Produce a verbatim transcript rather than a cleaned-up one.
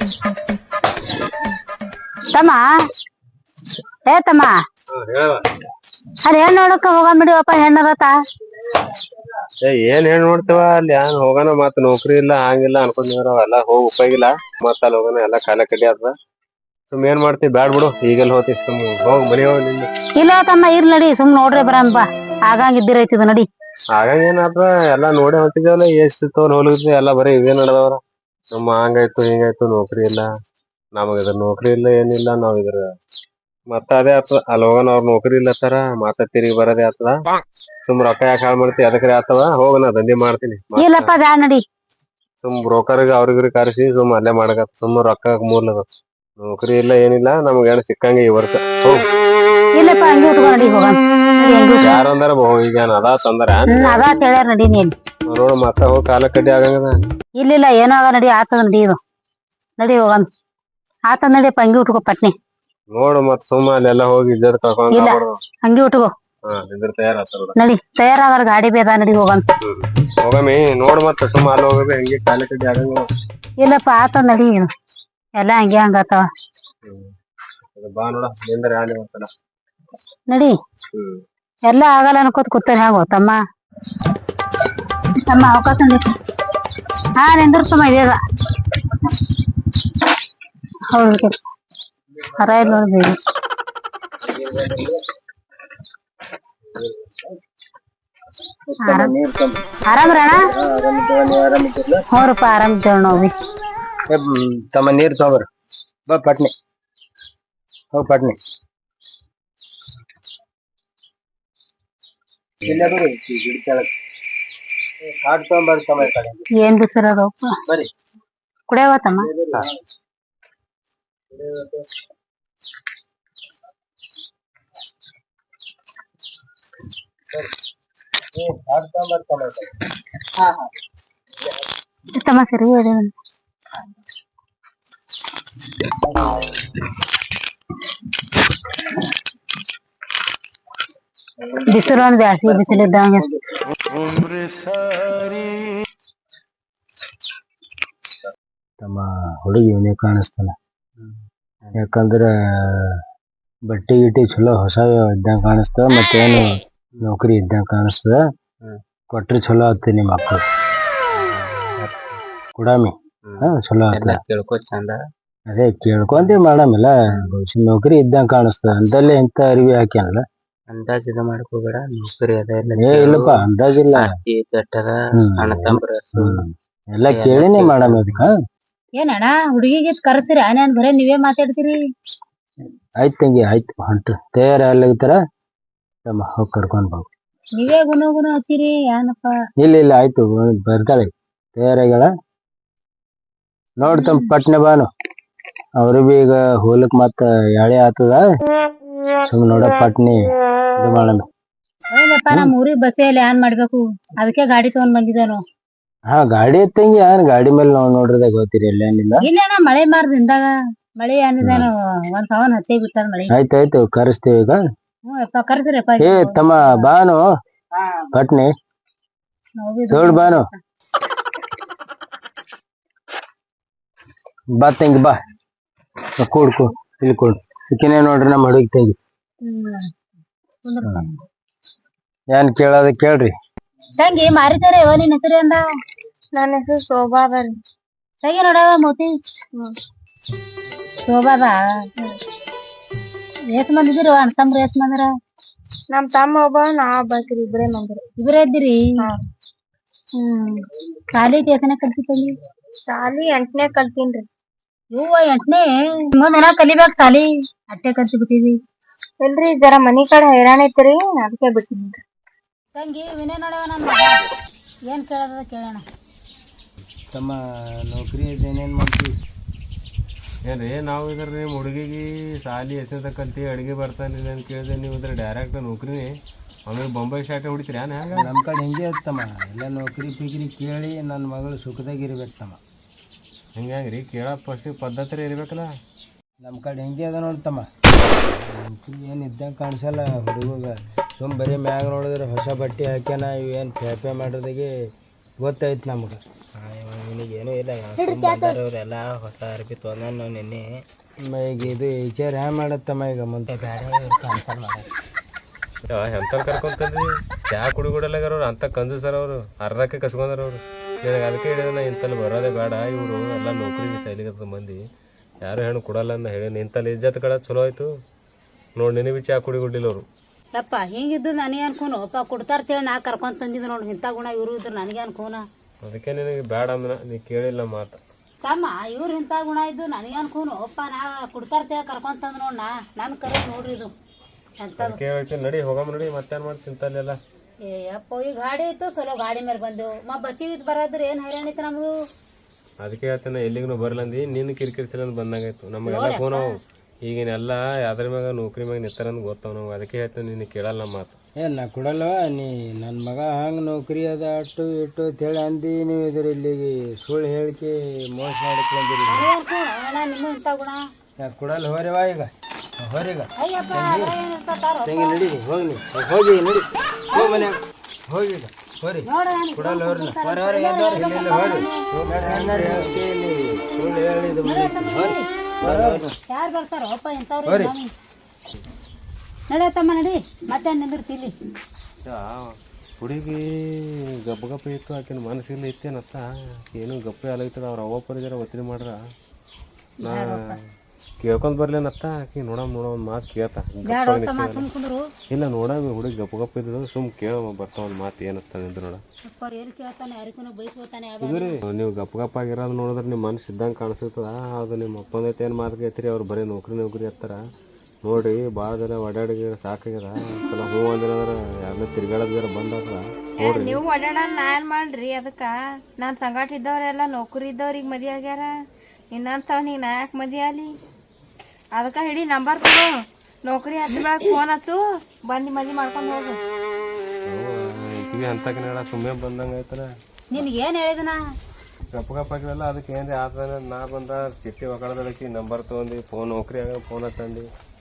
ತಮ್ಮ ಏ ತಮ್ಮ ಅಲ್ಲಿ ಹೆಣ್ಣು ನೋಡಕ ಹೋಗನ್ ಬಿಡಿವಪ್ಪ ಹೆಣ್ಣದತ್ತ ಏನ್ ಹೆಣ್ ನೋಡ್ತೇವ ಅಲ್ಲಿ ಏನ್ ಹೋಗೋಣ ಮತ್ ನೌಕರಿ ಇಲ್ಲ ಹಂಗಿಲ್ಲ ಅನ್ಕೊಂಡಿದ್ರ ಎಲ್ಲ ಹೋಗ್ ಉಪಯೋಗಿಲ್ಲ ಮತ್ ಅಲ್ಲಿ ಹೋಗೋಣ ಎಲ್ಲಾ ಕಾಲ ಕಡ್ಡಿ ಆದ ಸುಮ್ ಏನ್ ಮಾಡ್ತಿ ಬ್ಯಾಡ್ ಬಿಡು ಈಗೆಲ್ಲ ಹೋತಿ ಸುಮ್ ಹೋಗ್ ಮನಿ ಹೋಗ್ ನಿಂದ ಇಲ್ಲ ತಮ್ಮ ಇರ್ ನಡಿ ಸುಮ್ ನೋಡ್ರಿ ಬರನ್ ಬಾ ಆಗಂಗ ಇದ್ದಿರೈತಿದ ನಡಿ ಆಗಾಗ ಏನಾದ್ರ ಎಲ್ಲಾ ನೋಡಿ ಹೊಂಟಿದೇವಲ್ಲ ಎಷ್ಟ್ ತಗೊಂಡ್ ಹೋಲಿದ್ವಿ ಎಲ್ಲಾ ಬರೀ ಇವೇ ನಡದವ್ರ ನಮ್ಮ ಹಂಗಾಯ್ತು ಹಿಂಗಾಯ್ತು ನೌಕರಿ ಇಲ್ಲ ನಮಗ ಇದ್ರ ನೌಕರಿ ಇಲ್ಲ ಏನಿಲ್ಲ ನಾವ್ ಇದ್ರ ಮತ್ತ ಅದೇ ಆತದ ಅಲ್ಲಿ ಹೋಗನ ಅವ್ರ ನೌಕರಿ ಇಲ್ಲತ್ತಾರ ಮತ್ತ ತಿರುಗಿ ಬರೋದೇ ಆತದ ಸುಮ್ ರೊಕ್ಕ ಯಾಕೆ ಹಾಳ್ ಮಾಡ್ತಿ ಅದಕ್ರೆ ಆತವ ಹೋಗ ನಾ ದಂಧೆ ಮಾಡ್ತೀನಿ ಇಲ್ಲಪ್ಪ ಬ್ಯಾಡ ನಡಿ ಸುಮ್ ಬ್ರೋಕರ್ಗ ಅವ್ರಿಗ್ರಿ ಕರ್ಸಿ ಸುಮ್ ಅಲ್ಲೇ ಮಾಡಕತ್ ಸುಮ್ ರೊಕ್ಕ ಮೂರ್ಲದ ನೌಕರಿ ಇಲ್ಲ ಏನಿಲ್ಲ ನಮ್ಗ ಏನ್ ಸಿಕ್ಕಂಗ ಈ ವರ್ಷ ಹೋಗ್ ಇಲ್ಲಪ್ಪ ಹಂಗೆ ಉಟ್ಕೊ ನಡಿ ಹೋಗನ್ ಯಾರಂದಾರ ಈಗ ಏನ್ ಅದ ತಂದಾರ ಹ್ಮ್ ಅದ ಹೇಳ್ಯಾರ ನಡಿ ನೀನ್ ನೋಡ ಮತ್ತ ಹೋಗಿ ಕಾಲ ಕಡ್ಡಿ ಆಗಂಗದ ಇಲ್ಲಿಲ್ಲ ಏನೋ ಆಗ ನಡಿ ಆತದ ನಡಿ ಇದು ನಡಿ ಹೋಗನ್ ಆತದ ನಡಿಯಪ್ಪ ಹಂಗೆ ಉಟ್ಕೋ ಪಟ್ನಿ ನೋಡು ಮತ್ ಸುಮ್ಮ ಅಲ್ಲೆಲ್ಲ ಹೋಗಿ ಇಜ್ಜತ್ ಕಳ್ಕೊಂಡ್ ಇಲ್ಲ ಹಂಗೆ ಉಟ್ಕೋ ಹಾ ಇದ್ರ ತಯಾರಾಗ್ತಾರ ನಡಿ ತಯಾರಾಗಾರ ಗಾಡಿ ಬೇದ ನಡಿ ಹೋಗನ್ ಹೋಗಮಿ ನೋಡ್ ಮತ್ತ ಸುಮ್ಮ ಅಲ್ಲಿ ಹೋಗಬಿ ಹಂಗೆ ಕಾಲ ಕಡ್ಡಿ ಆಗಂಗ ಇಲ್ಲಪ್ಪ ಆತದ ನಡಿ ಎಲ್ಲಾ ಹಂಗೆ ಹಂಗತಾವ ಬಾ ನೋಡ ನಿಂದ್ರ ಯಾನ್ ಇವತ್ತಲ್ಲ ನಡಿ ಎಲ್ಲಾ ಆಗಲ್ಲ ಅನ್ಕೋತ ಕೂತಾರ ಹೆಂಗೋ ತಮ್ಮ ತಮ್ಮ ಅವಕಾಶ ಹಾ ನಿಂದಿರ್ತಮ್ಮ ಇದೇದ ಹೌದು ಹರ ಇಲ್ಲ ನೋಡ್ಬೇಡಿ ಆರಾಮ್ರಣ ಹ್ಞೂರಪ್ಪ ಆರಾಮಿದ್ದೇವ್ ನೋವಿ ತಮ್ಮ ನೀರ್ ತಗೋಬರ್ ಬಾ ಪಟ್ನಿ ಹೋಗ್ ಪಟ್ನಿ ಏನ್ ಬಿಸಿರ ಅದಪ್ಪ ಬರಿ ಕುಡಿಯವತ್ತಮ್ಮ ತಮ್ಮ ಸರಿ ಹೇಳಿ ಬಿಸಿಲು ಒಂದ್ ಬ್ಯಾಸಿಗೆ ಬಿಸಿಲು ಇದ್ದಂಗೆ ತಮ್ಮ ಹುಡುಗಿ ಇವನೇ ಕಾಣಿಸ್ತಾನ ಯಾಕಂದ್ರ ಬಟ್ಟೆ ಗಿಟ್ಟಿ ಚಲೋ ಹೊಸ ಇದ್ದಂಗ ಕಾಣಿಸ್ತದ ಮತ್ತೇನು ನೌಕರಿ ಇದ್ದಂಗ ಕಾಣಿಸ್ತದ ಕೊಟ್ರಿ ಚಲೋ ಆಗ್ತದೆ ನಿಮ್ಮ ಮಕ್ಕಳು ಕುಡಾಮಿ ಹಾ ಚಲೋ ಆಗ್ತದ ಕೇಳ್ಕೊ ಚಂದ ಅದೇ ಕೇಳ್ಕೊಂತೀವಿ ಮೇಡಮ್ ಇಲ್ಲ ನೌಕರಿ ಇದ್ದಂಗ ಕಾಣಿಸ್ತದ ಅಂತಲ್ಲೇ ಇಂತ ಅರಿವಿ ಹಾಕ್ಯಾನಲ್ಲ ಅಂದಾಜಿದ ಮಾಡ್ಕೋಬೇಡ ನೌಕರಿ ಅದ ಏ ಇಲ್ಲಪ್ಪ ಅಂದಾಜಿಲ್ಲ ಎಲ್ಲಾ ಕೇಳಿನಿ ಮೇಡಮ್ ಅದಕ್ಕ ಏನಣ್ಣ ಹುಡುಗಿಗೆ ಕರ್ತೀರ ನಾನ್ ಬರೇ ನೀವೇ ಮಾತಾಡ್ತೀರಿ ಆಯ್ತು ತಂಗಿ ಆಯ್ತು ಹೊಂಟು ತಯಾರ ಎಲ್ಲಾಗಿತ್ತಾರ ತಮ್ಮ ಹೋಗಿ ಕರ್ಕೊಂಡ್ ಬಾ ನೀವೇ ಗುಣ ಗುಣ ಹತ್ತೀರಿ ಏನಪ್ಪ ಇಲ್ಲ ಇಲ್ಲ ಆಯ್ತು ಬರ್ತಾಳೆ ತಯಾರಾಗ್ಯಾಳ ನೋಡ್ತಮ್ಮ ಪಟ್ನೆ ಬಾನು ಅವ್ರು ಬಿ ಈಗ ಹೋಲಕ್ ಮತ್ತ ಯಾಳೆ ಆತದ ಸುಮ್ ನೋಡ ಪಟ್ನಿ ಇದು ಮಾಡಣ ಹೌದಪ್ಪ ನಮ್ ಊರಿಗೆ ಬಸ್ಸೇ ಇಲ್ಲ ಏನ್ ಮಾಡ್ಬೇಕು ಅದಕ್ಕೆ ಗಾಡಿ ತಗೊಂಡ್ ಬಂದಿದ್ದಾನು ಹಾ ಗಾಡಿ ಎತ್ತಂಗಿ ಏನ್ ಗಾಡಿ ಮೇಲೆ ನಾವ್ ನೋಡ್ರದಾಗ ಹೋಗ್ತೀರಿ ಎಲ್ಲೇನಿಲ್ಲ ಇಲ್ಲ ಅಣ್ಣ ಮಳೆ ಮಾರ್ದಿಂದಾಗ ಮಳೆ ಏನಿದಾನು ಒಂದ್ ಸವನ್ ಹತ್ತೇ ಬಿಟ್ಟದ ಮಳೆ ಆಯ್ತಾಯ್ತು ಕರೆಸ್ತೇವೆ ಈಗ ಹ್ಞೂ ಯಪ್ಪ ಕರ್ದಿರಪ್ಪ ಏ ತಮ್ಮ ಬಾನು ಪಟ್ನಿ ನೋಡ್ ಬಾನು ಬಾ ತಂಗಿ ಬಾ ಕೂಡ್ ಕೂ ಇಲ್ಲಿ ಕೂಡ್ ಈಕಿನೇ ನೋಡ್ರಿ ನಮ್ಮ ಹುಡುಗಿ ತಂಗಿ ಏನ್ ಕೇಳೋದ ಕೇಳ್ರಿ ತಂಗಿ ಮಾರಿತಾರೆ ಯವ ನಿನ್ ಹೆಸರು ಅಂದ ನನ್ನ ಹೆಸರು ಶೋಭಾದ ತಂಗಿ ನೋಡವ ಮೋತಿ ಶೋಭಾದ ಎಷ್ಟ್ ಮಂದಿ ಇದ್ದೀರಿ ಅಣ್ಣ ತಮ್ರ ಎಷ್ಟ್ ಮಂದಿರ ನಮ್ ತಮ್ಮ ಒಬ್ಬ ನಾ ಒಬ್ಬಾಕಿರಿ ಇಬ್ರೇ ಮಂದಿರ ಇಬ್ರೇ ಇದ್ದೀರಿ ಹ್ಮ್ ಶಾಲಿ ಎಷ್ಟನೇ ಕಲ್ತಿ ತಂಗಿ ಶಾಲಿ ಎಂಟನೇ ಕಲ್ತೀನ್ರಿ ಹೂವ ಎಂಟನೇ ಮುಂದ್ ಏನ ಕಲಿಬೇಕ್ ಸಾಲಿ ಅಟ್ಟೆ ಕಲ್ತಿ ಬಿಟ್ಟಿವಿ ಇಲ್ರಿ ಜರ ಮನಿ ಕಡೆ ಹೈರಾಣ ಐತ್ರಿ ಅದಕ್ಕೆ ಬಿಟ್ಟಿನ್ರಿ ತಂಗಿ ವಿನಯ ನೋಡವ ನನ್ನ ಏನ್ ಕೇಳದ ಕೇಳೋಣ ತಮ್ಮ ನೌಕರಿ ಏನೇನ್ ಮಾಡ್ತೀವಿ ಏನ್ರಿ ನಾವು ಇದ್ರ ನಿಮ್ಮ ಹುಡುಗಿಗೆ ಸಾಲಿ ಎಸೆದ ಕಲ್ತಿ ಅಡಿಗೆ ಬರ್ತಾನಿಲ್ಲ ಅಂತ ಕೇಳಿದ್ರೆ ನೀವು ಇದ್ರ ಡೈರೆಕ್ಟ್ ನೌಕರಿನೇ ಆಮೇಲೆ ಬೊಂಬೈ ಶಾಟೆ ಹೊಡಿತೀರಿ ಏನ್ ಹ್ಯಾಂಗ ನಮ್ಮ ಕಡೆ ಹೆಂಗೆ ತಮ್ಮ ಎಲ್ಲ ನೌಕರಿ ಪಿಗ್ರಿ ಕೇಳಿ ನನ್ನ ಮಗಳು ಸುಖದಾಗಿರ್ಬೇಕು ತಮ್ಮ ಹಿಂಗೆ ಹೆಂಗ್ರಿ ಕೇಳೋ ಫಸ್ಟಿಗೆ ಪದ್ಧತಿ ಇರ್ಬೇಕಲ್ಲ ನಮ್ಮ ಕಡೆ ಹೆಂಗೆ ಅದ ನೋಡ್ತಮ್ಮ ಏನು ಇದ್ದಂಗೆ ಕಾಣಿಸಲ್ಲ ಹುಡುಗ ಸುಮ್ ಬರೀ ಮ್ಯಾಗ ನೋಡಿದ್ರೆ ಹೊಸ ಬಟ್ಟೆ ಹಾಕ್ಯಾನ ಇವೇನು ಪೇಪೆ ಮಾಡೋದಾಗೆ ಗೊತ್ತಾಯ್ತು ನಮ್ಗೆ ನಿನಗೇನು ಇಲ್ಲ ಬಂದವ್ರೆಲ್ಲ ಹೊಸ ಅರ್ಬಿ ತೊಗೊಂಡ ನಾವು ನಿನ್ನೆ ಈಗ ಇದು ವಿಚಾರ ಹ್ಯಾಂಗ ಮಾಡತ್ತಮ್ಮ ಈಗ ಮುಂದೆ ಬೇಡ ಕ್ಯಾನ್ಸಲ್ ಮಾಡಿ ಎಂತ ಕರ್ಕೊಂತಂದ್ರಿ ಚಾ ಕುಡಿ ಕುಡಲಾಗ್ಯಾರ ಅವ್ರು ಅಂತ ಕಂಜು ಸರ್ ಅವರು ಅರ್ಧಕ್ಕೆ ಕಸ್ಕೊಂಡಾರ ಅವ್ರು ನನಗೆ ಅದಕ್ಕೆ ಹೇಳಿದ ನಾ ಇಂತಲ್ಲಿ ಬರೋದೇ ಬೇಡ ಇವರು ಎಲ್ಲ ನೌಕರಿಗೆ ಸೈಲಿಗತ್ತ ಮಂದಿ ಯಾರು ಹೆಣ್ಣು ಕೊಡಲ್ಲ ಅಂತ ಹೇಳಿ ಇಂತಲ್ಲಿ ಇಜ್ಜತ್ ಕಡೆ ಚಲೋ ಆಯ್ತು ನೋಡಿ ನಿನಗೆ ಚಾ ಕುಡಿ ಕುಡಿಲ್ಲ ಅವರು ಯಪ್ಪ ಹಿಂಗಿದ್ದು ನನಗೆ ಅನ್ಕೋನು ಅಪ್ಪ ಕೊಡ್ತಾರ ಹೇಳಿ ನಾ ಕರ್ಕೊಂಡ್ ತಂದಿದ್ದು ನೋಡಿ ಇಂಥ ಗುಣ ಇವರು ಇದ್ರು ನನಗೆ ಅನ್ಕೋನ ಅದಕ್ಕೆ ನಿನಗೆ ಬೇಡ ಅಂದ್ರ ನೀ ಕೇಳಿಲ್ಲ ಮಾತು ತಮ್ಮ ಇವ್ರು ಇಂಥ ಗುಣ ಇದ್ದು ನನಗೆ ಅನ್ಕೋನು ಅಪ್ಪ ನಾ ಕೊಡ್ತಾರ ಹೇಳಿ ಕರ್ಕೊಂಡ್ ತಂದ್ ನೋಡ್ ನಾ ನನ್ ಕರೆ ನೋಡ್ರಿ ಇದು ಎಂತದು ಅದಕ್ಕೆ ಹೇಳ್ತೀನಿ ನಡಿ ಹೋಗಮ್ ನಡಿ ಮತ್ತೇನ್ ಮಾಡಿ ತಿಂತಲ್ಲೆಲ್ಲ ಏ ಅಪ್ಪ ಈ ಗಾಡಿ ಇತ್ತು ಸೊಲೋ ಗಾಡಿ ಮೇಲೆ ಬಂದೆವು ಮ ಬಸ್ಸಿಗೆ ಬರೋದ್ರೆ ಏನ್ ಹೈರಾಣ ಇತ್ತು ನಮ್ದು ಅದಕ್ಕೆ ಹೇಳ್ತೇನೆ ಎಲ್ಲಿಗೂ ಬರಲಂದಿ ನಿನ್ನ ಕಿರಿಕಿರಿಸಲ ಬಂದಂಗಾಯ್ತು ನಮಗೆಲ್ಲ ಫೋನ್ ಅವು ಈಗಿನೆಲ್ಲ ಯಾವ್ದ್ರ ಮ್ಯಾಗ ನೌಕರಿ ಮ್ಯಾಗ ನಿತ್ತಾರಂದ್ ಗೊತ್ತಾವ ನಾವು ಅದಕ್ಕೆ ಹೇಳ್ತೇನೆ ನಿನ್ನ ಕೇಳಲ್ಲ ನಮ್ಮ ಮಾತು ಏ ನಾ ಕೊಡಲ್ವ ನೀ ನನ್ನ ಮಗ ಹಂಗೆ ನೌಕರಿ ಅದ ಅಟ್ಟು ಇಟ್ಟು ಅಂತೇಳಿ ಅಂದು ನೀವು ಇದ್ರ ಇಲ್ಲಿಗೆ ಸುಳ್ಳು ಹೇಳಿಕೆ ಮೋಸ ಮಾಡಕ್ಕೆ ಬಂದಿರಿ ನನಗೆ ಅನ್ಕೋಣ ಅಣ್ಣ ನಿಮ್ಮ ಇಂಥ ಗುಣ ಯಾಕೆ ಕೊಡಲ್ಲ ಹೋರಿವಾ ಈಗ ಹೋರಿಗ ಅಯ್ಯಪ್ಪ ಅದ್ರಾಗ ಏನ್ ಇರ್ತಾರೋ ತಂಗಿ ನಡಿ ಹೋಗಿ ನೀವು ಹೋಗಿ ನಡಿ ಹೋಗಿ ಮನ್ಯಾಗ ಹೋಗಿ ಈಗ ಹೋರಿ ನೋಡ ಕೊಡಲ್ಲ ಹೋರಿ ಹೊರ ಹೊರ ಎದ್ದವ್ರು ಇಲ್ಲೆಲ್ಲ ಹೋರಿ ಹೋಗಿ ಹೇಳಿಕೆ ಇಲ್ಲಿ ಸುಳ್ಳು ಹೇಳಿದ ಹೋರಿ ಹೊರ ಹೊರ ಯಾರು ಬರ್ತಾರೋ ಅಪ್ಪ ಇಂಥವ್ರು ನಡಿಯತ್ತಮ್ಮ ನಡಿ ಮತ್ತೆ ನಿಂದಿರ್ತಿಲ್ಲಿ ಹುಡುಗಿ ಗಪ್ಪ ಗಪ್ಪ ಇತ್ತು ಆಕಿನ ಮನಸ್ಸಿಲ್ಲ ಇತ್ತೇನತ್ತ ಏನು ಗಪ್ಪ ಅಲಾಗ್ತದ ಅವ್ರ ಅವ್ವ ಪರಿಜರ ಒತ್ತಡಿ ಮಾಡ್ರ ನಾ ಕೇಳ್ಕೊಂಡ್ ಬರ್ಲೇನತ್ತ ಆಕಿ ನೋಡಮ್ ನೋಡ ಒಂದ್ ಮಾತು ಕೇಳ್ತ ಸುಮ್ಕುಂದ್ರು ಇಲ್ಲ ನೋಡಮ್ ಹುಡುಗಿ ಗಪ್ಪ ಗಪ್ಪ ಇದ್ದು ಸುಮ್ ಕೇಳ ಬರ್ತಾವ ಒಂದ್ ಮಾತು ಏನತ್ತ ನಿಂದ ನೋಡ ಎಲ್ಲಿ ಕೇಳ್ತಾನೆ ಯಾರಿಗೂ ಬೈಸ್ಕೋತಾನೆ ಇದ್ರಿ ನೀವು ಗಪ್ಪ ಗಪ್ಪ ಆಗಿರೋದು ನೋಡಿದ್ರೆ ನಿಮ್ಮ ಮನಸ್ಸು ಇದ್ದಂಗೆ ಕಾಣಿಸ್ತದ ಅದು ನಿಮ್ಮ ಅಪ್ಪನೈತೆ ಏನು ಮಾತು ಕೇಳ್ತೀರಿ ಅವ್ರು ಬರೀ ನೌಕರಿ ನೌಕರಿ ಹತ್ತಾರ ನೋಡ್ರಿ ಭಾಳ ಜನ ಓಡಾಡಿ ಸಾಕಾಗ್ಯದ ಚಲೋ ಹ್ಞೂ ಅಂದಿರಂದ್ರೆ ಯಾರನ್ನ ತಿರ್ಗಾಡೋದ್ರ ಬಂದಾದ್ರ ನೋಡ್ರಿ ನೀವು ಓಡಾಡ ನಾ ಏನ್ ಮಾಡ್ರಿ ಅದಕ್ಕ ನಾನ್ ಸಂಗಾಟ ಇದ್ದವ್ರೆಲ್ಲ ನೌಕರಿ ಇದ್ದವ್ರಿಗೆ ಮದಿ ಆಗ್ಯಾರ ಇನ್ನಂತವ್ ನೀ ನಾ ಯಾಕೆ ಮದಿ ಆಲಿ ಅದಕ್ಕ ಹಿಡಿ ನಂಬರ್ ಕೊಡು ನೌಕರಿ ಹತ್ತ ಬೆಳಗ್ಗೆ ಫೋನ್ ಹಚ್ಚು ಬಂದು ಮದಿ ಮಾಡ್ಕೊಂಡು ಹೋಗು ಕಿವಿ ಅಂತಕಿನ ಸುಮ್ಮನೆ ಬಂದಂಗೆ ಆಯ್ತಲ್ಲ ನಿನ್ಗೆ ಏನ್ ಹೇಳಿದನ ಗಪ್ಪ ಗಪ್ಪ ಆಗಿರಲ್ಲ ಅದಕ್ಕೆ ಏನ್ರಿ ಆತ ನಾ ಬಂದ ಚಿಟ್ಟಿ ಒಕ್ಕಳದಕ್ಕೆ ನಂಬರ್ ತೊಗೊಂಡು ಫೋನ್ ನೌಕರಿ ಆಗ ಫೋನ್ ಹತ್ತಂದು